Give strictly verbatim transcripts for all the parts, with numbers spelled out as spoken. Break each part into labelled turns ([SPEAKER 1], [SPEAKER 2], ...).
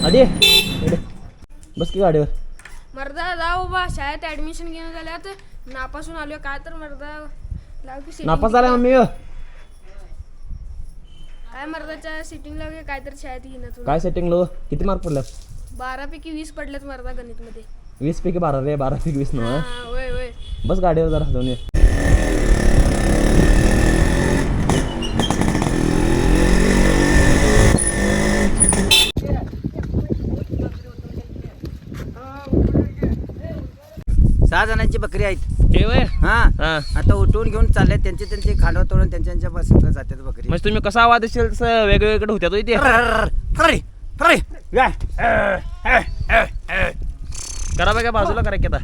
[SPEAKER 1] आधी इकडे. बस की गाडीवर.
[SPEAKER 2] मर्दा जाऊ बाबा शाळेत ऍडमिशन घेऊन झाल्यात नापासून आलोय काय तर मर्दा लाव की sitting.
[SPEAKER 1] नापास झाला मम्मी.
[SPEAKER 2] काय मर्दाच्या सिटिंग लाव काय तर शाळेत घेणं तू
[SPEAKER 1] काय सेटिंग लो किती मार्क पडले?
[SPEAKER 2] बारा पैकी वीस पडलेत मर्दा गणित मध्ये.
[SPEAKER 1] वीस पैकी बारा रे बारा पैकी वीस ना.
[SPEAKER 2] होय होय
[SPEAKER 1] बस गाडीवर जरा जाऊन ये.
[SPEAKER 3] सहा जणांची बकरी आहेत.
[SPEAKER 1] हे वय
[SPEAKER 3] हा
[SPEAKER 1] हा.
[SPEAKER 3] आता उठवून घेऊन चालले त्यांचे त्यांचे खांडव तोडून त्यांच्या त्यांच्या संघ जातात बकरी.
[SPEAKER 1] म्हणजे तुम्ही कसा आवाज असेल तसं वेगवेगळे होत्या तो इथे.
[SPEAKER 3] फ्राय फ्राय
[SPEAKER 1] करा बघा बाजूला करा की आता.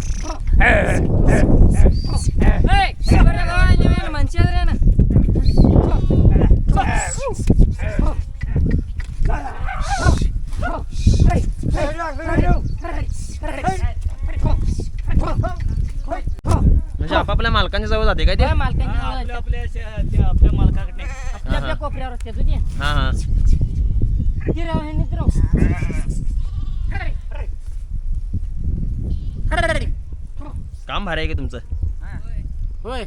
[SPEAKER 1] म्हणजे आपापल्या मालकांच्या जवळ जाते काय ते.
[SPEAKER 4] आपल्या आपल्या मालकाकडे आपल्या आपल्या कोपऱ्यावर असते तुझी
[SPEAKER 1] हा हा.
[SPEAKER 4] गिराव हे निद्राव
[SPEAKER 1] काम भारी आहे की तुमचं.
[SPEAKER 4] होय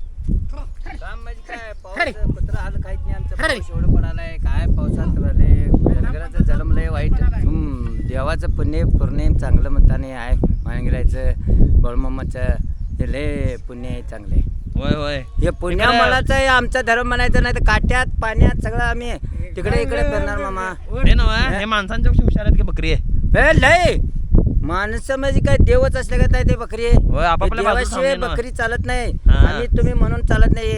[SPEAKER 3] काम म्हणजे काय पाऊस कुत्रा हाल काहीच नाही आमचं. पाऊस एवढं पडालाय काय पावसात राहिले जनगराचं जलम लय वाईट. हम्म, देवाचं पुण्य पूर्ण चांगलं म्हणताना आहे. मानगिरायचं बळमामाचं हे लय पुण्य आहे चांगले.
[SPEAKER 1] होय होय.
[SPEAKER 3] हे पुण्या मलाच आहे आमचा धर्म म्हणायचं नाही तर काट्यात पाण्यात सगळं आम्ही तिकडे इकडे फिरणार मामा.
[SPEAKER 1] हे नव हे माणसांच्या पेक्षा हुशार आहेत की बकरी आहे.
[SPEAKER 3] ए लय माणसं म्हणजे काय देवच असले का ते बकरी आहे.
[SPEAKER 1] होय, आपापल्या बाजूला
[SPEAKER 3] देवाशिवाय
[SPEAKER 1] थांबले ना.
[SPEAKER 3] बकरी चालत नाही
[SPEAKER 1] हा.
[SPEAKER 3] आणि तुम्ही म्हणून चालत नाही.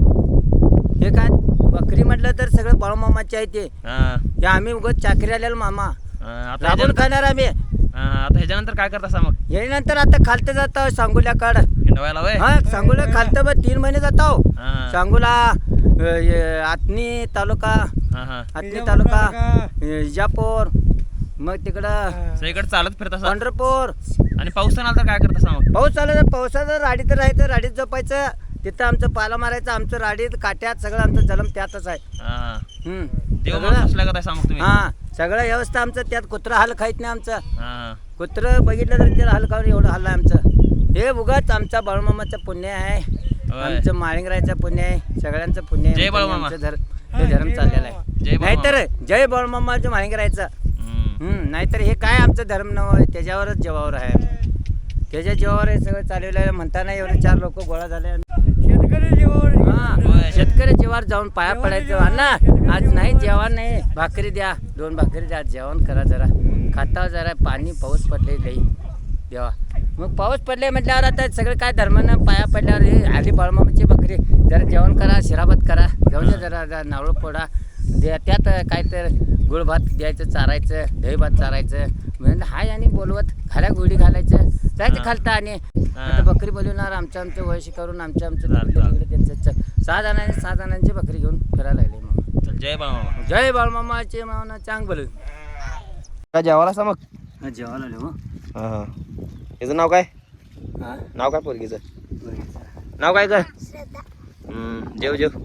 [SPEAKER 3] हे काय बकरी म्हटलं तर सगळं बाळूमामाचे आहे ते.
[SPEAKER 1] हा
[SPEAKER 3] हे आम्ही उगाच चाकरी आलेलो मामा
[SPEAKER 1] हा, आता
[SPEAKER 3] राबून
[SPEAKER 1] ह्याच्यानंतर
[SPEAKER 3] खाणार आम्ही.
[SPEAKER 1] हा, आता ह्याच्यानंतर काय करता सा मग
[SPEAKER 3] यानंतर आता खालतं जातो सांगोल्या काढ.
[SPEAKER 1] हिंडवायला वय.
[SPEAKER 3] हा सांगोला खालतं बघ तीन महिने जातो.
[SPEAKER 1] हा
[SPEAKER 3] सांगोला अ, हे, आतनी तालुका
[SPEAKER 1] हा हा.
[SPEAKER 3] आतनी तालुका अ, इजापूर मग तिकडं
[SPEAKER 1] सगळीकडे चालत फिरता सा.
[SPEAKER 3] पंढरपूर.
[SPEAKER 1] आणि पाऊस आला तर काय करता सा मग.
[SPEAKER 3] पाऊस आला तर पावसाचं राडीत राहायचं राडीत झोपायचं. तिथं आमचं पाला मारायचं आमचं राडीत काट्यात सगळं आमचं जलम त्यातच आहे.
[SPEAKER 1] हा हा.
[SPEAKER 3] हम्म.
[SPEAKER 1] देव
[SPEAKER 3] सगळं-
[SPEAKER 1] माणूस असल्या का सा मग तुम्ही.
[SPEAKER 3] हा सगळं व्यवस्था आमचं त्यात कुत्रा हाल खायत नाही आमचं.
[SPEAKER 1] हा
[SPEAKER 3] कुत्रं बघितलं तर त्याला हाल खाऊन एवढं हल्ला आमचं. हे उगाच आमचा बाळूमामाचं पुण्य आहे.
[SPEAKER 1] होय.
[SPEAKER 3] आमचं माळिंगरायचं पुण्य आहे. सगळ्यांचं पुण्य आहे.
[SPEAKER 1] जय बाळूमामा.
[SPEAKER 3] आमचं धर्म हे धर्म चाललेला
[SPEAKER 1] जय
[SPEAKER 3] आहे.
[SPEAKER 1] बाळूमामा.
[SPEAKER 3] नाहीतर जय बाळूमामाचं माळिंगरायचं.
[SPEAKER 1] हम्म.
[SPEAKER 3] हम्म, नाहीतर हे काय आमचं धर्म नव्हे त्याच्यावरच जीवावर आहे. त्याच्या जीवावर हे सगळं चालवलं आहे. म्हणताना एवढे चार लोक गोळा झाले. शेतकरी जीवावर
[SPEAKER 1] होय.
[SPEAKER 3] शेतकरी जीवावर जाऊन पाया पडायचं. अण्णा आज नाही जेवण नाही भाकरी द्या दोन भाकरी द्या जेवण करा जरा खाता जरा पाणी पाऊस पडले लई देवा. मग पाऊस पडले म्हटल्यावर आता सगळं काय धर्मानं पाया पडल्यावर हे आली बाळमामाची बकरी जरा जेवण करा शिराभात करा जाऊन द्या जरा जरा नावळ फोडा द्या त्यात काय तर गुळ भात द्यायचं चारायचं दही भात चारायचं म्हणजे हाय आणि बोलवत खाल्या गोडी घालायचं जायचं खालता. आणि आता बकरी बोलवणार आमचं आमचं वयशी करून आमचं आमचं तिकडे त्यांचं सहा जणांनी सहा जणांची बकरी घेऊन फिरायला लागले. मग
[SPEAKER 1] चल जय बाळूमामा.
[SPEAKER 3] जय बाळमामाचे मामा चांग बोल
[SPEAKER 1] काय जेवायला सा मग.
[SPEAKER 3] जेवायला आलो.
[SPEAKER 1] हा हा. याचं नाव काय नाव काय पोरगीचं नाव काय कर. हम्म जेव जेव.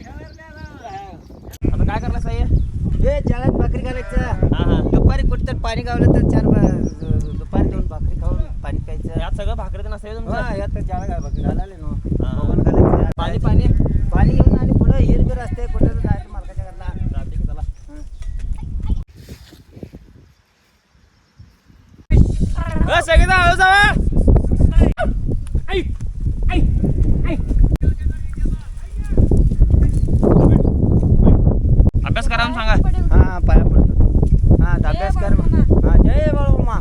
[SPEAKER 1] आता काय करला साई.
[SPEAKER 3] हे जाळ्यात भाकरी घालायचं.
[SPEAKER 1] हा हा.
[SPEAKER 3] दुपारी कुठं तर पाणी गावलं तर चार बा- दुपारी दोन भाकरी खाऊन पाणी प्यायचं.
[SPEAKER 1] यात सगळं भाकरी नसतं तुमचं.
[SPEAKER 3] हा यात जाळा घाल भाकरी घालाले ना
[SPEAKER 1] हा.
[SPEAKER 3] भगवान घालायचं.
[SPEAKER 1] पाणी पाणी
[SPEAKER 3] पाणी घेऊन आणि पुढं हिरबीर असते कुठं तर जायचं मालकाच्या घरला.
[SPEAKER 1] चालते की चला. सगळी हळू जावा. अभ्यास करा म्हणून सांगा.
[SPEAKER 3] हा पाया पडतो. हा अभ्यास कर मग. हा जय बाळूमामा.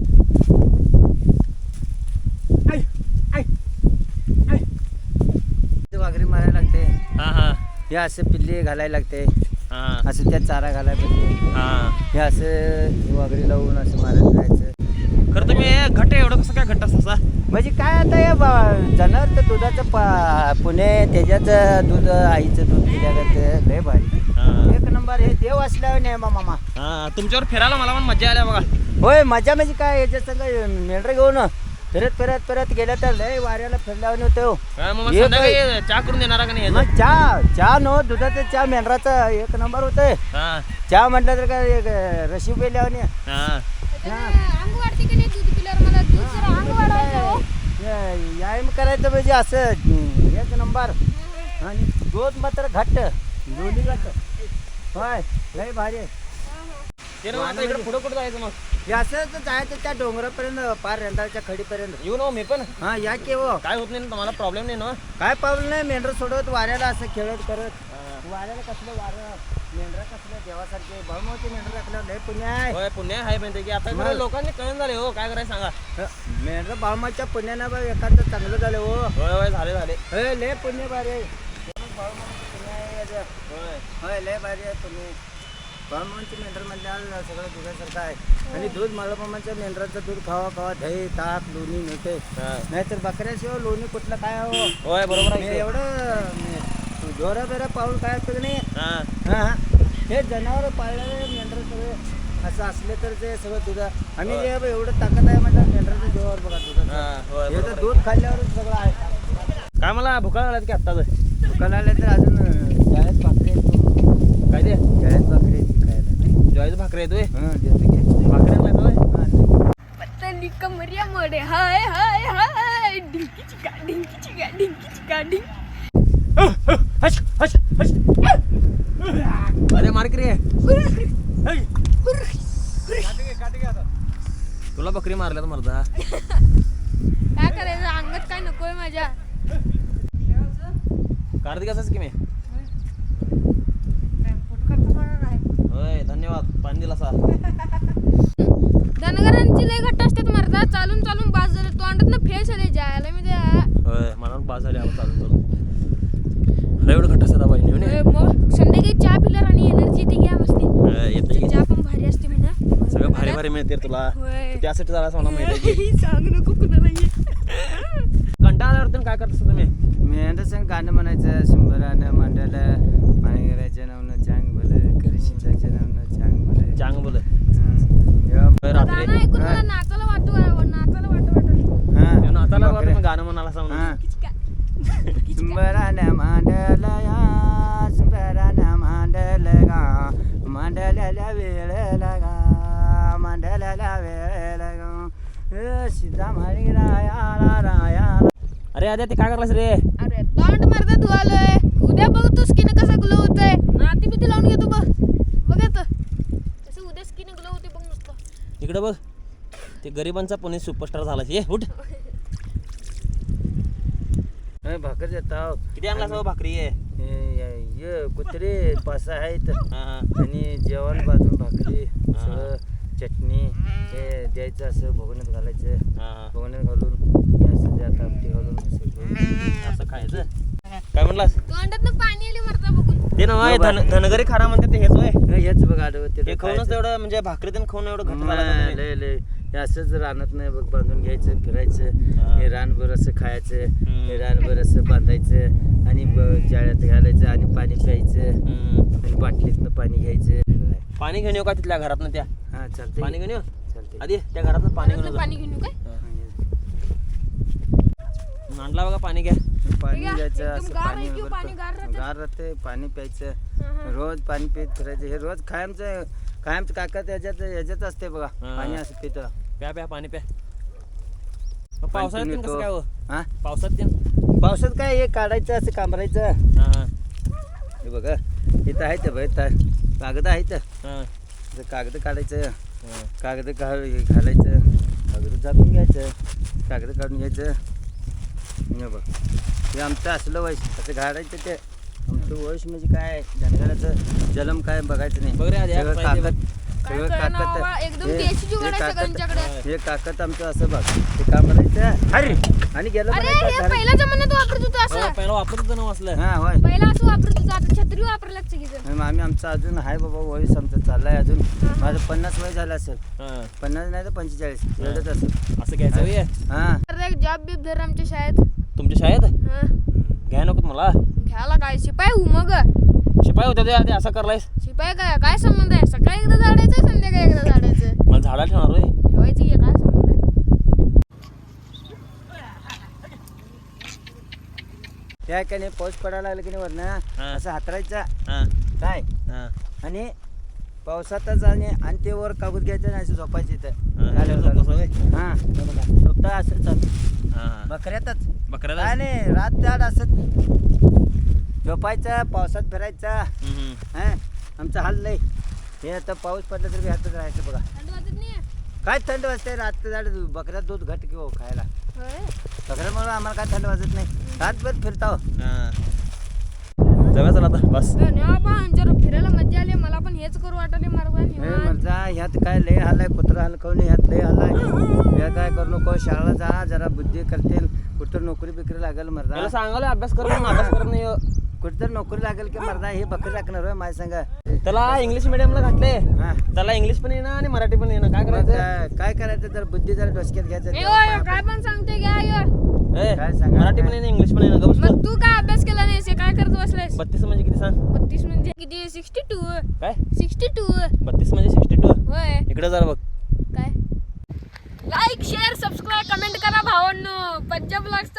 [SPEAKER 3] वाघरी मारायला लागते.
[SPEAKER 1] हा हा
[SPEAKER 3] हे असं पिल्ली घालायला लागते.
[SPEAKER 1] हा
[SPEAKER 3] असं त्यात चारा घालायला पाहिजे.
[SPEAKER 1] हा.
[SPEAKER 3] हे असं वाघरी लावून असं मारत जायचं.
[SPEAKER 1] खरं तुम्ही घट एवढं कसं काय घट असता.
[SPEAKER 3] म्हणजे काय आता हे ब- जनावर तर दुधाचं पा पुणे त्याच्याचं दूध आईचं दूध पिल्यागत लय भारी.
[SPEAKER 1] हा
[SPEAKER 3] एक नंबर हे देव असल्यावर नाही मामा.
[SPEAKER 1] हा. तुमच्यावर फिरायला मला पण मजा आल्या बघा.
[SPEAKER 3] होय मजा म्हणजे काय याच्या संग मेंढर घेऊन फिरत फिरत फिरत गेलं तर लय वाऱ्याला फिरल्यावर होतो.
[SPEAKER 1] काय मग
[SPEAKER 3] एक-
[SPEAKER 1] संध्याकाळी चहा करून देणार का नाही
[SPEAKER 3] मग चहा चहा नो दुधाचं चहा मेंढराचा एक नंबर होतंय.
[SPEAKER 1] हा
[SPEAKER 3] चहा म्हटलं तर काय एक रशी पेल्यावर
[SPEAKER 1] हा
[SPEAKER 2] अंग वाढते की नाही दूध पिल्यावर मला दूध जरा अंग वाढवायचं हो.
[SPEAKER 3] व्यायाम करायचं म्हणजे असं हम्म, एक नंबर. आणि दूध मात्र घट्ट दोन्ही घट्ट होय लय भारी आहे.
[SPEAKER 1] ते ना मग आता इकडे पुढं कुठं जायचं मग
[SPEAKER 3] हे असं जायचं त्या डोंगरापर्यंत पार रेंदाळच्या खडीपर्यंत.
[SPEAKER 1] येऊ ना मी पण
[SPEAKER 3] हा या की हो
[SPEAKER 1] काय होत नाही ना तुम्हाला प्रॉब्लेम नाही ना
[SPEAKER 3] काय पावलं नाही मेंढर सोडत वाऱ्याला असं खेळत करत. वाऱ्याला कसलं वारं मेंढरा कसलं देवासारखे बहुमोठी मेंढर राखल्यावर लय पुण्य आहे.
[SPEAKER 1] होय पुण्य आहे म्हणते की आता
[SPEAKER 3] मग-
[SPEAKER 1] इकडे लोकांनी कळून झाले हो काय करायचं सांगा
[SPEAKER 3] मेंढर बाळमाच्या पुण्यानं बघ एखादं चांगलं झालं हो.
[SPEAKER 1] होय होय झाले झाले
[SPEAKER 3] होय लय पुण्य भारी आहे. बाळमामाचं पुण्य आहे याचं.
[SPEAKER 1] होय
[SPEAKER 3] होय लय भारी आहे तुम्ही बाळमामाचं मेंढर म्हणल्यावर सगळं दुधासारखं आहे. आणि दूध मामाच्या मेंढराचं दूध खावा खावा दही ताक लोणी मिळते.
[SPEAKER 1] हा.
[SPEAKER 3] नाहीतर बकऱ्याशिवाय लोणी कुठलं काय हो.
[SPEAKER 1] होय बरोबर
[SPEAKER 3] मी
[SPEAKER 1] आहे
[SPEAKER 3] एवढं जोरा बेरा पाऊल काय असतं की नाही.
[SPEAKER 1] हा
[SPEAKER 3] हां हां हे जनावर पाळलेले मेंढर सगळे असं असले तर ते सगळं दूध आम्ही जे एवढं ताकद आहे म्हणतात मेंढराचं जेवावर बघा
[SPEAKER 1] हा,
[SPEAKER 3] दुधाचं
[SPEAKER 1] होय,
[SPEAKER 3] हे
[SPEAKER 1] बरोबर
[SPEAKER 3] तर
[SPEAKER 1] आहे.
[SPEAKER 3] दूध खाल्ल्यावरच सगळं आहे.
[SPEAKER 1] काय मला भुका लागल्यात की आत्ताच
[SPEAKER 3] दुकान आले तर अजून शाळेत भाकरी आहेत.
[SPEAKER 1] काय ते
[SPEAKER 3] शाळेत भाकरी आहेत खायला.
[SPEAKER 1] ज्वारीचं भाकरी येतोय
[SPEAKER 3] हां देतो की
[SPEAKER 1] भाकरी आणलाय होय
[SPEAKER 3] हां
[SPEAKER 2] पतली कमरिया मोडे हाय हाय हाय डिंकी चिका डिंकी चिका डिंकी चिका डिंकी.
[SPEAKER 1] हश हश हश अरे मार की रे तुला बकरी मारल्यात मर्दा
[SPEAKER 2] काय करायचं अंगात काय नकोय माझ्या.
[SPEAKER 1] कार्तिक असंच की मी होय धन्यवाद पाणी दिला सा
[SPEAKER 2] धनगरांची लय घट्ट असतात मर्दा चालून चालून बास झालं तोंडात ना फेस आले जायला मी त्या
[SPEAKER 1] होय मला पण पास झाले आवाज चालून चालून अरे एवढं घट्ट असतात बहिणी म्हणे
[SPEAKER 2] मग संध्याकाळी चहा पिल्यावर आणि एनर्जी ती घ्या मस्ती.
[SPEAKER 1] होय, येतं की
[SPEAKER 2] चहा पण भारी असते म्हणा
[SPEAKER 1] सगळं भारी भारी मिळते रे तुला
[SPEAKER 2] होय.
[SPEAKER 1] तू त्यासाठी झाला मला माहिती आहे की
[SPEAKER 2] सांग नको कुणाला ये.
[SPEAKER 1] कंटाळा आल्यावर काय करत असता तुम्ही
[SPEAKER 3] मेंढर संग गाणं म्हणायचं शंभरानं मांडायला माणगराच्या नावनं चांग भलं करिशिंदाच्या नावनं चांग भलं.
[SPEAKER 1] चांग बोल
[SPEAKER 3] हं. जेव्हा
[SPEAKER 1] होय, रात्री
[SPEAKER 2] गाणं ऐकून मला नाचायला वाटू नाचायला वाटू वाटत.
[SPEAKER 3] हां,
[SPEAKER 1] नाताला
[SPEAKER 3] बकऱ्या.
[SPEAKER 1] गाणं म्हणाला असं म्हणून
[SPEAKER 3] हां. सुंबरानं मांडलं या सुंबरानं मांडलं गा मांडलेल्या वेळेला गा मांडलेल्या वेळेला गा सीता मारी रायाला रायाला.
[SPEAKER 1] अरे आद्या ते काय करलास रे
[SPEAKER 2] अरे तोंड मर्दा धुवालोय उद्या बघ तू स्किन कसं ग्लो होतंय. नाती बिती लावून घेतो बघ बघ आता तसं उद्या स्किन ग्लो होते बघ नुसतं.
[SPEAKER 1] इकडे बघ ते गरिबांचा पुणे सुपरस्टार झाला ये उठ
[SPEAKER 3] हे भाकर देताव
[SPEAKER 1] किती आणला सगळं भाकरी आहे
[SPEAKER 3] ये कुत्रे पाच सहा आहेत
[SPEAKER 1] हा, हा.
[SPEAKER 3] आणि जेवण बाजून भाकरी सगळं चटणी हे द्यायचं असं भोगण्यात घालायचं
[SPEAKER 1] हा, हा.
[SPEAKER 3] भोगण्यात घालून हे असं द्या तापटी घालून असं घेऊन.
[SPEAKER 1] असं खायचं काय म्हणलास
[SPEAKER 2] तोंडात पाणी आली मर्दा बघून.
[SPEAKER 1] ते ना धन धनगरी खारा म्हणते ते हेच होय
[SPEAKER 3] हे हेच बघ आडवं
[SPEAKER 1] हे खाऊनच एवढं म्हणजे भाकरी देऊन खाऊन एवढं घट्ट झाला का
[SPEAKER 3] लय
[SPEAKER 1] तुम्ही?
[SPEAKER 3] लय हे असंच रानात नाही बघ बांधून घ्यायचं फिरायचं
[SPEAKER 1] हा.
[SPEAKER 3] हे रानभर असं खायचं
[SPEAKER 1] हम्म.
[SPEAKER 3] हे रानभर असं बांधायचं आणि ब- जाळ्यात घालायचं आणि पाणी प्यायचं
[SPEAKER 1] हम्म.
[SPEAKER 3] आणि बाटलीतनं पाणी घ्यायचं.
[SPEAKER 1] पाणी घेऊन येऊ का तिथल्या घरात त्या
[SPEAKER 3] हा चालतंय
[SPEAKER 1] पाणी घेऊन येऊ
[SPEAKER 3] चालतंय
[SPEAKER 1] आधी त्या घरात पाणी घेऊन
[SPEAKER 2] घरातलं
[SPEAKER 1] येऊ
[SPEAKER 2] पाणी घेऊन येऊ काय.
[SPEAKER 1] आणला बघा पाणी घ्या
[SPEAKER 3] पाणी
[SPEAKER 2] हे घ्या,
[SPEAKER 3] घ्यायचं
[SPEAKER 2] एकदम
[SPEAKER 3] असं
[SPEAKER 2] गार
[SPEAKER 3] पाणी
[SPEAKER 2] आहे की
[SPEAKER 3] वगैरे
[SPEAKER 2] पाणी गार राहतं?
[SPEAKER 3] गार राहते पाणी प्यायचं
[SPEAKER 2] हा, हा.
[SPEAKER 3] रोज पाणी पित फिरायचं हे रोज कायमचं कायमचं काका त्याच्यात याच्यात असते बघा
[SPEAKER 1] हा.
[SPEAKER 3] पाणी असं पितं
[SPEAKER 1] प्या प्या पाणी प्या मग पावसाळ्यात पण कसं काय हो
[SPEAKER 3] हा
[SPEAKER 1] पावसात ते
[SPEAKER 3] पावसात काय हे काढायचं असं कांबरायचं.
[SPEAKER 1] हा हा
[SPEAKER 3] हे बघा इथं आहे ते बघ कागद आहेत
[SPEAKER 1] हा
[SPEAKER 3] कागद काढायचं
[SPEAKER 1] हा.
[SPEAKER 3] कागद काढ हे घालायचं कागद झाकून घ्यायचं कागद काढून घ्यायचं. हे बघ हे आमचं असलं वयस असं घालायचं ते आमचं वयस म्हणजे काय धनगराचं जलम काय बघायचं नाही.
[SPEAKER 1] बघ रे आधी,
[SPEAKER 3] सगळं
[SPEAKER 1] पाहिजे
[SPEAKER 3] कागद
[SPEAKER 2] काय
[SPEAKER 3] सगळं
[SPEAKER 2] कळेना बाबा,
[SPEAKER 3] कागद
[SPEAKER 2] एकदम
[SPEAKER 3] हे-
[SPEAKER 2] देशी जुगाड
[SPEAKER 3] हे
[SPEAKER 2] आहे
[SPEAKER 3] कागद-
[SPEAKER 2] सगळ्यांच्याकडे.
[SPEAKER 3] हे कागद आमचं असं बघ हे काम करायचं अरे आणि गेलं
[SPEAKER 2] अरे
[SPEAKER 3] म्हणायचं
[SPEAKER 2] हे
[SPEAKER 3] झालं.
[SPEAKER 2] पहिल्या जमान्यात वापरत होतो
[SPEAKER 1] हो,
[SPEAKER 2] असं
[SPEAKER 1] पहिला वापरत होतं ना असलं
[SPEAKER 3] हा होय
[SPEAKER 2] पहिला असं वापरत होतो आता छत्री वापरायला सगळीजण.
[SPEAKER 3] आणि मग आम्ही आमचं अजून आहे बाबा वयस आमचं चाललंय अजून माझं पन्नास वय झालं असेल
[SPEAKER 1] हा
[SPEAKER 3] पन्नास नाही तर पंचेचाळीस एवढंच असेल.
[SPEAKER 1] असं घ्यायचं होय
[SPEAKER 3] हा
[SPEAKER 2] तर एक जॉब बीब धर आमच्या शाळेत.
[SPEAKER 1] तुमच्या शाळेत
[SPEAKER 2] हा.
[SPEAKER 1] घ्या नको मला
[SPEAKER 2] घ्यायला काय शिपाई हू मग
[SPEAKER 1] शिपाई होत्या ते आधी असं करलायस
[SPEAKER 2] शिपाई काय काय संबंध आहे सकाळी एकदा झाडायचं संध्याकाळी एकदा झाडायचं
[SPEAKER 1] मला झाडा ठेवणार होय
[SPEAKER 2] ठेवायचं की काय संबंध आहे.
[SPEAKER 3] त्या काय नाही पाऊस पडायला लागला की नाही वरनं
[SPEAKER 1] हा.
[SPEAKER 3] असं हातरायचा
[SPEAKER 1] हा
[SPEAKER 3] काय
[SPEAKER 1] हा
[SPEAKER 3] आणि पावसातच आणि आणि ते वर कागद घ्यायचं आणि असं झोपायचं इथं
[SPEAKER 1] हा,
[SPEAKER 3] झालं,
[SPEAKER 1] झोपायचं
[SPEAKER 3] झालं.
[SPEAKER 1] होय?
[SPEAKER 3] हा हे बघा फक्त असं चालू
[SPEAKER 1] हा
[SPEAKER 3] बकऱ्यातच
[SPEAKER 1] बकऱ्याला
[SPEAKER 3] काय नाही रात त्याड असं झोपायचं पावसात फिरायचं
[SPEAKER 1] हम्म, हम्म.
[SPEAKER 3] हा आमचं हाल लय हे आता पाऊस पडला तर बी हातच राहायचं बघा
[SPEAKER 2] थंड वाजत नाही
[SPEAKER 3] काय थंड वाजते रात झाड बकऱ्यात दूध घट किंवा खायला
[SPEAKER 2] होय
[SPEAKER 3] बकऱ्यामुळे आम्हाला काय थंड वाजत नाही रातभर फिरता हो.
[SPEAKER 1] हा. जाऊया चला आता बस
[SPEAKER 2] धन्यवाद जरा फिरायला मजा आली मला पण हेच करू वाटले मार्ग
[SPEAKER 3] हे म्हणता ह्यात काय लय हालाय कुत्र हलकवणे ह्यात लय हालाय या काय करू नको शाळेला जा जरा बुद्धी करतील कुठं नोकरी बिकरी लागेल
[SPEAKER 1] मला
[SPEAKER 3] मर्दा
[SPEAKER 1] सांगायला अभ्यास कर म्हणून अभ्यास करत नाही हो.
[SPEAKER 3] कुठं नोकरी लागेल की मर्दा हे बकरी राखणार होय माझ्या सांगा
[SPEAKER 1] त्याला इंग्लिश मिडियमला घातले
[SPEAKER 3] हा
[SPEAKER 1] त्याला इंग्लिश पण येणं आणि मराठी पण येणं काय
[SPEAKER 3] मग
[SPEAKER 1] करायचं
[SPEAKER 3] काय काय करायचं जर बुद्धी जरा डोसक्यात घ्यायचं
[SPEAKER 2] ए
[SPEAKER 3] तेव्हा
[SPEAKER 2] ओय,
[SPEAKER 3] पाया
[SPEAKER 2] काय पण सांगते घ्या यो
[SPEAKER 1] ए,
[SPEAKER 3] काय सांगा?
[SPEAKER 1] मराठी पण येणं इंग्लिश पण येणं गप्प बस
[SPEAKER 2] मग तू काय अभ्यास केला नाहीस हे काय करत बसलायस
[SPEAKER 1] बत्तीस म्हणजे किती सांग
[SPEAKER 2] बत्तीस म्हणजे किती सिक्स्टी टू
[SPEAKER 1] काय
[SPEAKER 2] सिक्स्टी टू
[SPEAKER 1] बत्तीस म्हणजे सिक्स्टी टू
[SPEAKER 2] होय
[SPEAKER 1] इकडे जरा बघ
[SPEAKER 2] काय लाईक शेअर सबस्क्राईब कमेंट करा भावांनो पंजाब ब्लॉग्स